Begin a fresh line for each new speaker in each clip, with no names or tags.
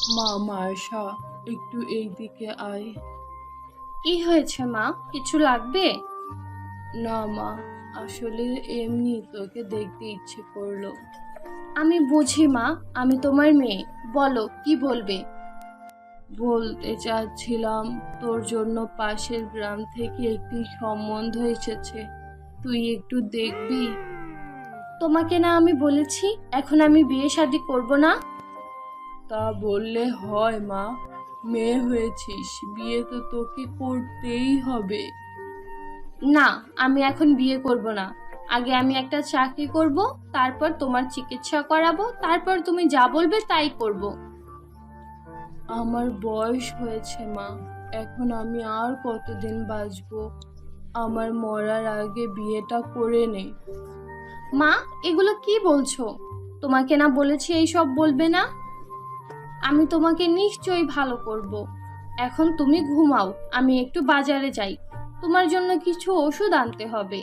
মা মার্শা, একটু এই দিকে আয়।
কি হয়েছে মা, কিছু লাগবে?
না মা, আসলে এমনি তোকে দেখতে ইচ্ছে করলো।
আমি বুঝি মা, আমি তোমার মেয়ে, বলো কি বলবে।
বলতে চাচ্ছিলাম, তোর জন্য পাশের গ্রাম থেকে একটি সম্বন্ধ এসেছে, তুই একটু দেখবি?
তোমাকে না আমি বলেছি এখন আমি বিয়ে শাদী করব না?
তা বললে হয় মা, মেয়ে হয়েছিস, বিয়ে তো তোকে করতেই হবে।
না, আমি এখন বিয়ে করব না। আগে আমি একটা চাকরি করব, তারপর তোমার চিকিৎসা করাবো, তারপর তুমি যা বলবে তাই করব।
আমার বয়স হয়েছে মা, এখন আমি আর কতদিন বাঁচবো? আমার মরার আগে বিয়েটা করে নে।
মা, এগুলো কি বলছো? তোমাকে না বলেছি এইসব বলবে না? আমি তোমাকে নিশ্চয়ই ভালো করব। এখন তুমি ঘুমাও, আমি একটু বাজারে যাই, তোমার জন্য কিছু ওষুধ আনতে হবে।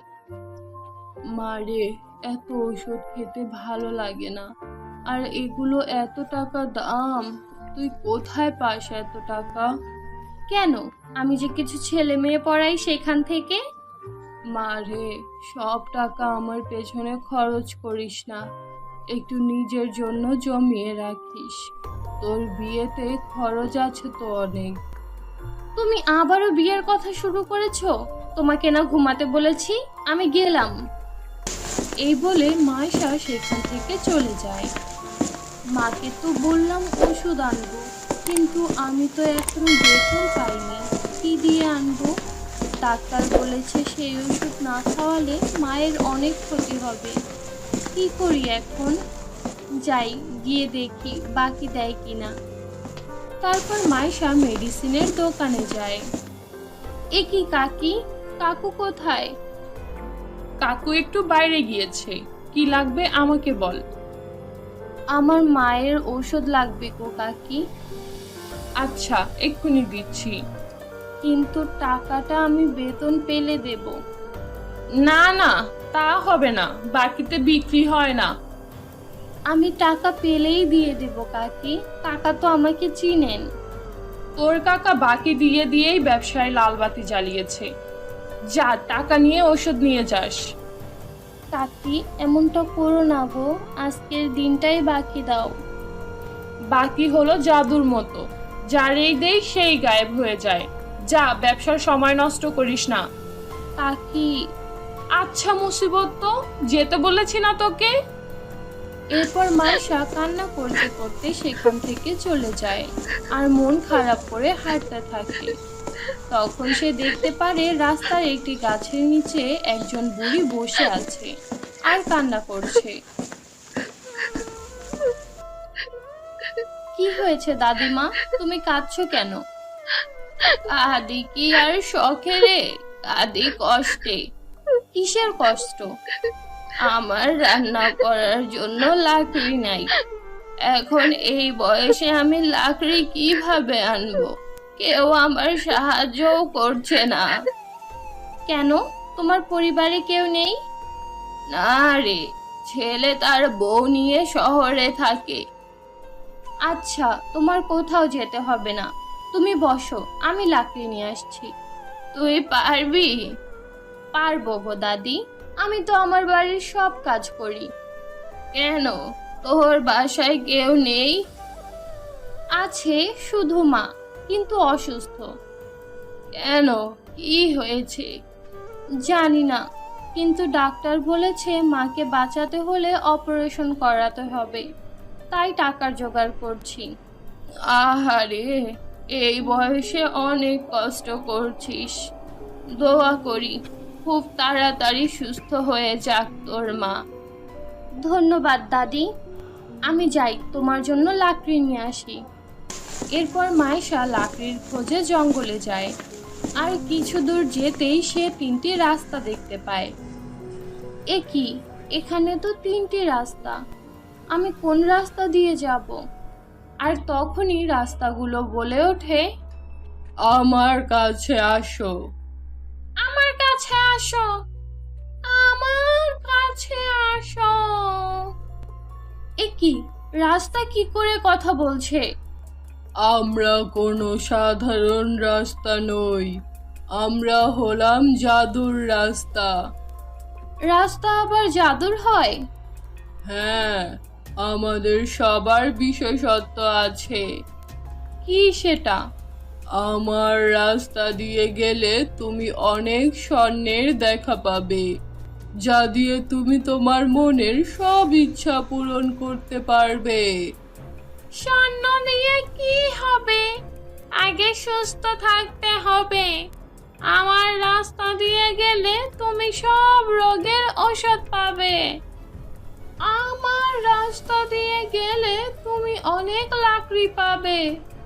মা রে, এত ওষুধ খেতে ভালো লাগে না, আর এগুলো এত টাকা দাম, তুই কোথায় পাস এত টাকা?
কেন, আমি যে কিছু ছেলে মেয়ে পড়াই সেখান থেকে।
মা রে, সব টাকা আমার পেছনে খরচ করিস না, একটু নিজের জন্য জমিয়ে রাখিস, তোর বিয়েতে খরচ আছে তো অনেক।
তুমি আবারও বিয়ের কথা শুরু করেছো? তোমাকে না ঘুমাতে বলেছি, আমি গেলাম।
এই বলে মায়েশা সেখান থেকে চলে যায়। মাকে তো বললাম ওষুধ আনবো, কিন্তু আমি তো এখনো বেতন পাইনি, কি দিয়ে আনবো? ডাক্তার বলেছে সেই ওষুধ না খাওয়ালে মায়ের অনেক ক্ষতি হবে, কি করি এখন? যাই, গিয়ে দেখি বাকি দেয় কিনা। তারপর মায়েশা মেডিসিনের দোকানে যায়।
এ কি কাকি, কাকু কোথায়?
কাকু একটু বাইরে গিয়েছে, কি লাগবে আমাকে বল।
আমার মায়ের ওষুধ লাগবে গো কাকি।
আচ্ছা, এক্ষুনি দিচ্ছি।
কিন্তু টাকাটা আমি বেতন পেলে দেব।
না না, তা হবে না, বাকিতে বিক্রি হয় না।
আমি টাকা পেলেই দিয়ে দেব কাকি, কাকা তো আমাকে চিনেন।
তোর কাকা বাকি দিয়ে দিয়েই ব্যবসায় লালবাতি জ্বালিয়েছে, যা টাকা নিয়ে ওষুধ নিয়ে যাস।
কাকি, এমনটা করো না গো, আজকের দিনটাই বাকি দাও।
বাকি হলো জাদুর মতো, যারেই দেই সেই গায়েব হয়ে যায়, যা ব্যবসার সময় নষ্ট করিস না।
কাকি।
আচ্ছা মুসিবত, তো যেতে বলেছি না তোকে। এরপর মাইশা কান্না করতে করতে সেখান থেকে চলে যায়, আর মন খারাপ করে হাঁটতে থাকে। তখন সে দেখতে পারে রাস্তার একটি গাছের নিচে একজন বুড়ি বসে আছে আর কান্না করছে।
কি হয়েছে দাদিমা, তুমি কাঁদছো কেন?
কাঁদি কি আর শখে রে, কাঁদি কষ্টে।
কিসের কষ্ট?
আমার রান্না করার জন্য লাকড়ি নাই, এখন এই বয়সে আমি লাকড়ি কিভাবে আনবো? কেউ আমার সাহায্যও করছে না।
কেন, তোমার পরিবারে কেউ নেই?
না রে, ছেলে তার বউ নিয়ে শহরে থাকে।
আচ্ছা, তোমার কোথাও যেতে হবে না, তুমি বসো, আমি লাকড়ি নিয়ে আসছি।
তুই পারবি?
পারবো গো দাদি, আমি তো আমার বাড়ির সব কাজ করি।
কেন, তোর বাসায় কেউ নেই?
আছে, শুধু মা, কিন্তু অসুস্থ।
কেন, কি হয়েছে?
জানি না, কিন্তু ডাক্তার বলেছে মাকে বাঁচাতে হলে অপারেশন করাতে হবে, তাই টাকার জোগাড় করছি।
আহারে, এই বয়সে অনেক কষ্ট করছিস, দোয়া করি খুব তাড়াতাড়ি সুস্থ হয়ে যাক তোর মা।
ধন্যবাদ দাদি, আমি যাই তোমার জন্য লাকড়ি নিয়ে আসি।
এরপর মাইশা লাকড়ির খোঁজে জঙ্গলে যায়, আর কিছু দূর যেতেই সে তিনটি রাস্তা দেখতে পায়।
এ কি, এখানে তো তিনটি রাস্তা, আমি কোন রাস্তা দিয়ে যাব?
আর তখনই রাস্তাগুলো বলে ওঠে, আমার কাছে আসো,
আমার কাছে আসো, আমার কাছে আসো। এ কি, রাস্তা কি করে কথা বলছে?
আমরা কোনো সাধারণ রাস্তা নই, আমরা হলাম জাদুর রাস্তা।
রাস্তা আবার জাদুর হয়?
হ্যাঁ, আমাদের সবার বিশেষত্ব আছে।
কি সেটা?
আমার রাস্তা দিয়ে গেলে তুমি অনেক স্বর্ণের দেখা পাবে, যা দিয়ে তুমি তোমার মনের সব ইচ্ছা পূরণ করতে পারবে।
স্বর্ণ দিয়ে কি হবে? আগে সুস্থ থাকতে হবে। আমার রাস্তা দিয়ে গেলে তুমি সব রোগের ঔষধ পাবে। আমার রাস্তা দিয়ে গেলে তুমি অনেক লাকড়ি পাবে।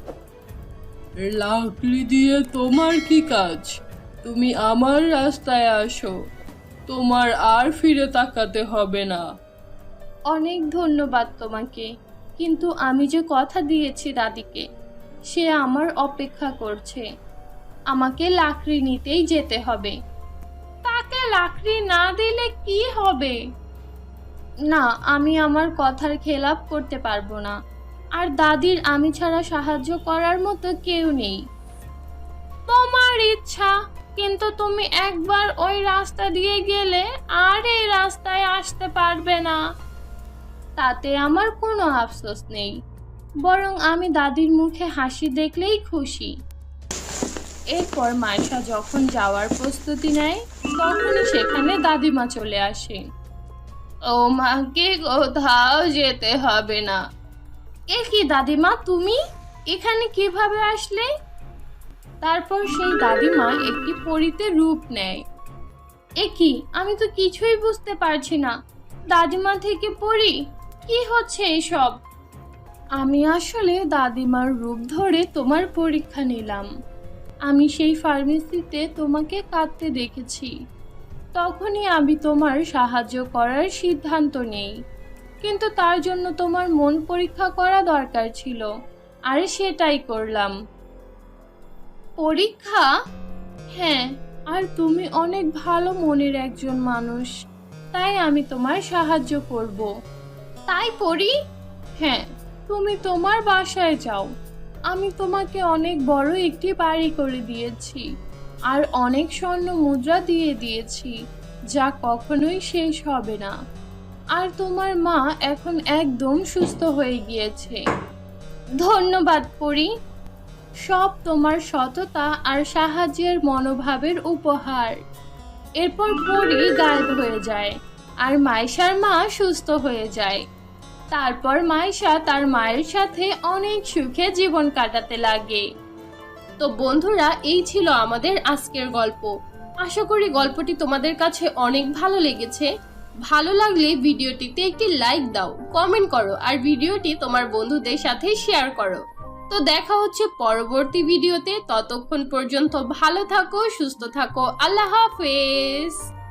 লাকড়ি দিয়ে তোমার কি কাজ? তুমি আমার রাস্তায় আসো, তোমার আর ফিরে তাকাতে হবে না।
অনেক ধন্যবাদ তোমাকে, কিন্তু আমি যে কথা দিয়েছি দাদিকে, সে আমার অপেক্ষা করছে। আমাকে লাকড়ি নিতেই যেতে হবে। তাকে লাকড়ি না দিলে কি হবে? না, আমি আমার কথার খেলাপ করতে পারবো না। আর দাদির আমি ছাড়া সাহায্য করার মতো কেউ নেই। তোমার ইচ্ছা, কিন্তু তুমি একবার ওই রাস্তা দিয়ে গেলে আর এই রাস্তায় আসতে পারবে না। তাতে আমার কোনো আফসোস নেই, বরং আমি দাদির মুখে হাসি দেখলেই খুশি। এরপর মাইশা যখন যাওয়ার প্রস্তুতি নেয়, তখনই সেখানে দাদিমা চলে আসে। ও মাকে কোথাও যেতে হবে না। এ কি দাদিমা, তুমি এখানে কিভাবে আসলে? তারপর সেই দাদিমা একটি পরীতে রূপ নেয়। এ কি, আমি তো কিছুই বুঝতে পারছি না। দাদিমা থেকে পড়ি, কি হচ্ছে এসব? আমি আসলে দাদিমার রূপ ধরে তোমার পরীক্ষা নিলাম। আমি সেই ফার্মেসিতে তোমাকে কাঁদতে দেখেছি, তখনই আমি তোমার সাহায্য করার সিদ্ধান্ত নেই। কিন্তু তার জন্য তোমার মন পরীক্ষা করা দরকার ছিল, আর সেটাই করলাম। পরীক্ষা? হ্যাঁ, আর তুমি অনেক ভালো মনের একজন মানুষ, তাই আমি তোমার সাহায্য করব। তাই পড়ি? হ্যাঁ, তুমি তোমার বাসায় যাও। আমি তোমাকে অনেক বড় একটি বাড়ি করে দিয়েছি, আর অনেক স্বর্ণ মুদ্রা দিয়ে দিয়েছি, যা কখনোই শেষ হবে না। আর তোমার মা এখন একদম সুস্থ হয়ে গিয়েছে। ধন্যবাদ পরি, সব তোমার সততা আর সাহায্যের মনোভাবের উপহার। এরপর পরি গায়েব হয়ে যায়, আর মাইশার মা সুস্থ হয়ে যায়। তারপর মাইশা তার মায়ের সাথে অনেক সুখে জীবন কাটাতে লাগে। তো বন্ধুরা, এই ছিল আমাদের আজকের গল্প। আশা করি গল্পটি তোমাদের কাছে অনেক ভালো লেগেছে। ভালো লাগলে ভিডিওটিতে একটি লাইক দাও, কমেন্ট করো, আর ভিডিওটি তোমার বন্ধুদের সাথে শেয়ার করো। তো দেখা হচ্ছে পরবর্তী ভিডিওতে। ততক্ষণ পর্যন্ত ভালো থাকো, সুস্থ থাকো। আল্লাহ হাফেজ।